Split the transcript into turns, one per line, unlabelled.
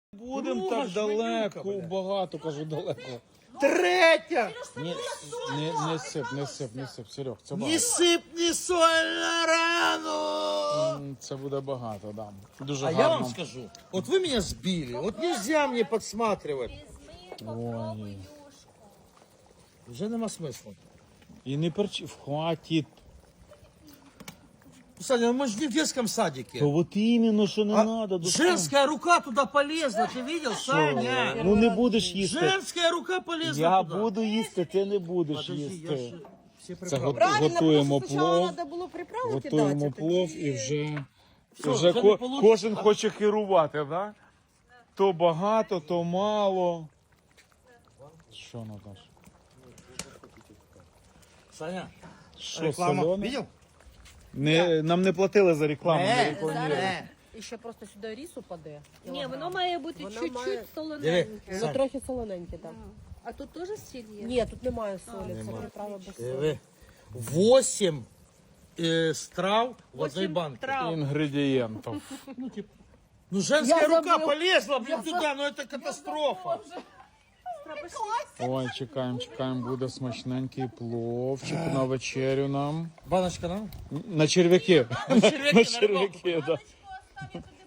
Будемо так далеко, багато, кажу, далеко.
Третя!
Не сип, Серег, це
Не
багато.
сип, не соль на рану!
Це буде багато, да. Дуже
А
гарно.
я вам скажу, вот вы меня сбили, вот нельзя мне подсматривать.
Ой.
Уже нема смысла.
І не хватить.
Саня, мы же не в детском садике.
То от іменно, що не
А
треба.
женская рука туда полезла, ты видел, Саня?
Ну не будеш їсти.
Женская рука полезла
Я
туда.
буду їсти, ти не будеш
Подожди, я
їсти.
ж все
Це
приправы.
Правильно,
готуємо
просто спочатку
плов.
треба було приправу
Готуємо
кидати.
плов
тоді-
і вже,
Все,
вже
вже не получится.
кожен хоче керувати, да? То багато, то мало. Що, Наташ?
Саня,
Що,
реклама,
солене?
видел?
Нам не платили за рекламу. не
Не,
рекламували.
Зараз
не.
і ще просто сюди ріс упаде.
Ні, воно має бути
Воно
чуть-чуть
має-
солоненьке.
Диви.
Воно трохи солоненьке там.
А тут теж сіль є?
Ні, тут немає солі, це приправа без солі.
Диви. 8 страв в одной банке.
трав.
Інгредієнтів.
Ну, женская
Я
рука
забыл.
полезла, блин, туда, ну это катастрофа.
Ой, чекаємо, буде смачненький пловчик на вечерю нам.
Баночка нам?
На черв'яки.
черв'яки,
На черв'яки, так. Да.